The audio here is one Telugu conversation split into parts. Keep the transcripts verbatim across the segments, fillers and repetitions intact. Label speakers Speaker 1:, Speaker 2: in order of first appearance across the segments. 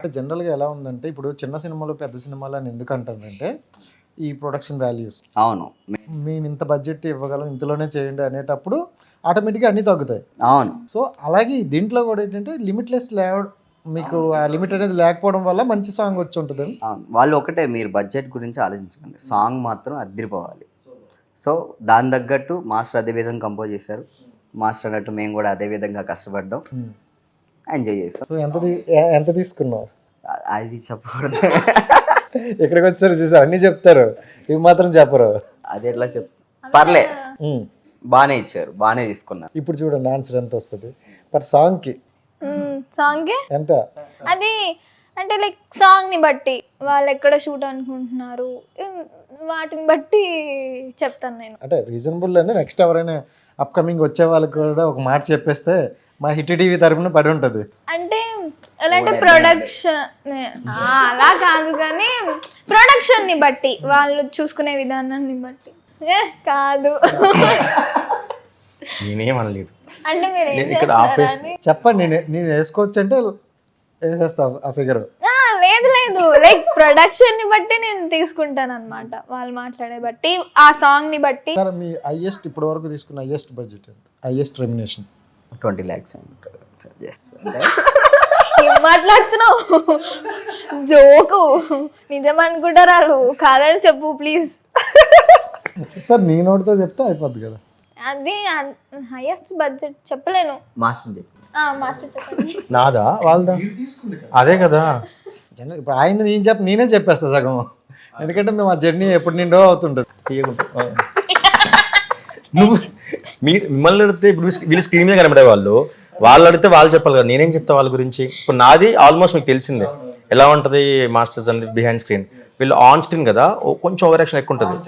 Speaker 1: జనరల్గా ఎలా ఉందంటే ఇప్పుడు చిన్న సినిమాలు పెద్ద సినిమాలు అని ఎందుకు అంటారంటే ఈ ప్రొడక్షన్ వాల్యూస్.
Speaker 2: అవును,
Speaker 1: మేము ఇంత బడ్జెట్ ఇవ్వగలం, ఇంతలోనే చేయండి అనేటప్పుడు ఆటోమేటిక్గా అన్నీ తగ్గుతాయి.
Speaker 2: అవును.
Speaker 1: సో అలాగే దీంట్లో కూడా ఏంటంటే లిమిట్లెస్ లేవ మీకు ఆ లిమిట్ అనేది లేకపోవడం వల్ల మంచి సాంగ్ వచ్చి ఉంటుంది.
Speaker 2: అవును, వాళ్ళు ఒకటే, మీరు బడ్జెట్ గురించి ఆలోచించకండి, సాంగ్ మాత్రం అద్దరిపోవాలి. సో దాని తగ్గట్టు మాస్టర్ అదే విధంగా కంపోజ్ చేశారు. మాస్టర్ అన్నట్టు మేము కూడా అదే విధంగా కష్టపడ్డాం, ఎంజాయ్ చేస్తాం.
Speaker 1: సో ఎంత తీ- ఎ- ఎంత తీసుకున్నావు?
Speaker 2: అ- అది చెప్పకూడదు.
Speaker 1: ఇక్కడికి వచ్చారు చూసారు, అన్నీ చెప్తారు, ఇవి మాత్రం చెప్పరు.
Speaker 2: అది ఎట్లా చెప్ పర్లే,
Speaker 1: ఉమ్.
Speaker 2: బాగానే ఇచ్చారు, బాగానే తీసుకున్నారు.
Speaker 1: ఇప్పుడు చూడండి ఆన్సర్ ఎంత వస్తుంది పర్ సాంగ్కి.
Speaker 3: సాంగ్
Speaker 1: ఎంత?
Speaker 3: అది అంటే లైక్ సాంగ్ ని బట్టి వాళ్ళు ఎక్కడ షూట్ అనుకుంటున్నారు ఉమ్, వాటిని బట్టి చెప్తాను నేను.
Speaker 1: అంటే రీజనబుల్ అంటే నెక్స్ట్ ఎవరైనా అప్కమింగ్ వచ్చే వాళ్ళకి కూడా ఒక మాట చెప్పేస్తే మా హిట్ టీవీ తరపున పడి ఉంటుంది.
Speaker 3: అంటే ఎలా అంటే ప్రొడక్షన్ అలా కాదు కానీ ప్రొడక్షన్ ని బట్టి వాళ్ళు చూసుకునే విధానాన్ని బట్టి ఏ కాదు
Speaker 4: నేనేం అనలేదు.
Speaker 3: అంటే మీరు ఏం
Speaker 4: నేను ఇక్కడ
Speaker 3: చేస్తారని
Speaker 1: చెప్పండి, నేను నేను వేసుకోవచ్చు అంటే వేసేస్తా ఆ ఫిగర్.
Speaker 3: ఆ, లేదు లేదు లైక్ ప్రొడక్షన్ ని బట్టి నేను తీసుకుంటాను అనమాట, వాళ్ళు మాట్లాడే బట్టి ఆ సాంగ్ ని బట్టి.
Speaker 1: సార్ మీ హైయెస్ట్ ఇప్పటి వరకు తీసుకున్న హైయెస్ట్ బడ్జెట్ ఎంత? Highest remuneration?
Speaker 2: ట్వంటీ ల్యాక్స్
Speaker 3: ఏం మాట్లాడుతున్నావు? జోకు నిజం అనుకుంటారు వాళ్ళు, కాదని చెప్పు ప్లీజ్.
Speaker 1: సార్ నీ నోటితో చెప్తే అయిపోద్ది కదా.
Speaker 3: అది హైయెస్ట్ బడ్జెట్ చెప్పలేను.
Speaker 2: మాస్టర్ చెప్పి
Speaker 3: ఆ, మాస్టర్ చెప్పండి.
Speaker 4: నాదా వాళ్ళదా? అదే కదా.
Speaker 1: జనరల్ ఇప్పుడు ఆయన నేను చెప్ప నేనే చెప్పేస్తా సగం, ఎందుకంటే మేము ఆ జర్నీ ఎప్పుడు నిండో అవుతుంటుంది.
Speaker 4: తీయకుండా నువ్వు మీ మిమ్మల్ని అడిగితే ఇప్పుడు వీళ్ళు స్క్రీన్ మీద కనబడే వాళ్ళు, వాళ్ళు అడిగితే వాళ్ళు చెప్పాలి కదా, నేనేం చెప్తా వాళ్ళ గురించి. ఇప్పుడు నాది ఆల్మోస్ట్ మీకు తెలిసిందే ఎలా ఉంటుంది మాస్టర్స్ అనేది బిహైండ్ స్క్రీన్. వీళ్ళు ఆన్ స్క్రీన్ కదా, ఓ కొంచెం ఓవర్ యాక్షన్ ఎక్కువ ఉంటుంది.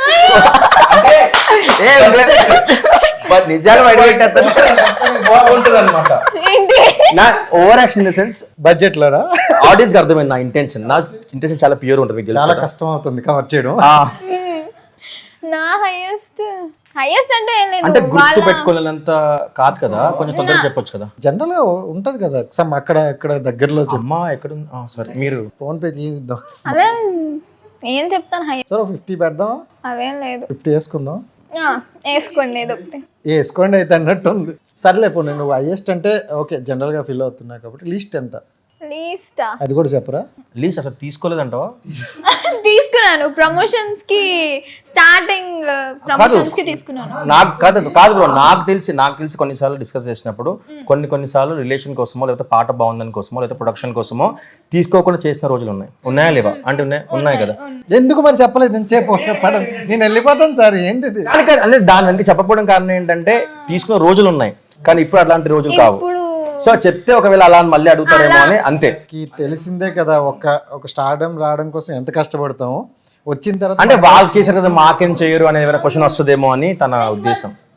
Speaker 2: నిజాలు
Speaker 4: బాగుంటుంది అనమాట.
Speaker 3: ఏంటి?
Speaker 4: నా over action in the sense
Speaker 1: budget లోనా?
Speaker 4: ఆడియన్స్ కి అర్థమైంది నా ఇంటెన్షన్. నా ఇంటెన్షన్ చాలా ప్యూర్ ఉంటుంది, మీకు తెలుసు
Speaker 1: చాలా
Speaker 4: కదా.
Speaker 1: కష్టం అవుతుంది కవర్ చేయడం.
Speaker 4: ఆ,
Speaker 3: నా హైయెస్ట్ హైయెస్ట్ అంటే ఏం
Speaker 4: అంటే
Speaker 3: లేదు,
Speaker 4: గుర్తు
Speaker 3: వాళ్ళ
Speaker 4: పెట్టుకోలేనంత కాదు కదా, కొంచెం తొందరగా చెప్పొచ్చు కదా.
Speaker 1: జనరల్ గా ఉంటది కదా సమ్ అక్కడ ఇక్కడ దగ్గరలో
Speaker 4: అమ్మా ఎక్కడ సరే మీరు
Speaker 1: ఫోన్ పే చేద్దాం.
Speaker 3: అదే ఏం చెప్తాను హైయెస్ట్
Speaker 1: సార్ ఫిఫ్టీ పెడదాం,
Speaker 3: అవేం లేదు.
Speaker 1: ఫిఫ్టీ వేసుకుందాం.
Speaker 3: ఆ, వేసుకోండి ఏదో ఒకటి.
Speaker 1: వేసుకోండి అయితే అన్నట్టు ఉంది. సర్లే పోనీ నువ్వు హైయెస్ట్ అంటే ఓకే జనరల్ గా ఫీల్ అవుతున్నా కాబట్టి లీస్ట్ ఎంత
Speaker 3: లీస్టా
Speaker 1: అది కూడా చెప్పరా?
Speaker 4: లీస్ట్ అసలు తీసుకోలేదంటావా?
Speaker 3: తీసుకున్నాను ప్రమోషన్స్ కి, స్టార్టింగ్ ప్రమోషన్స్ కి తీసుకున్నాను.
Speaker 4: నాకు కాదు కాదు బ్రో, నాకు తెలిసి నాకు తెలిసి కొన్నిసార్లు డిస్కస్ చేసినప్పుడు కొన్ని కొన్నిసార్లు రిలేషన్ కోసమో లేకపోతే పాట బాగుందని కోసమో లేకపోతే ప్రొడక్షన్ కోసమో తీసుకోకుండా చేసిన రోజులు ఉన్నాయి. ఉన్నాయా లేవా? అంటే ఉన్నాయి ఉన్నాయి కదా.
Speaker 1: ఎందుకు మరి చెప్పలేదు? నేను చెప్పు చెప్పడం నేను వెళ్ళిపోతాను సార్. ఏంటిది?
Speaker 4: కానీ కానీ అంటే దాని వెనక చెప్పకపోవడం కారణం ఏంటంటే తీసుకున్న రోజులు ఉన్నాయి, కానీ ఇప్పుడు అట్లాంటి రోజులు కావు.
Speaker 3: ఇప్పుడు
Speaker 4: సో చెప్తే ఒకవేళ అలా అని మళ్ళీ అడుగుతారేమో అని అంతే.
Speaker 1: కి తెలిసిందే కదా ఒక ఒక స్టార్డమ్ రావడం కోసం ఎంత కష్టపడతామో, వచ్చిన తర్వాత
Speaker 4: అంటే వాళ్ళు చేశారు కదా మాకేం చేయరు అనే క్వశ్చన్ వస్తుందేమో అని తన ఉద్దేశం.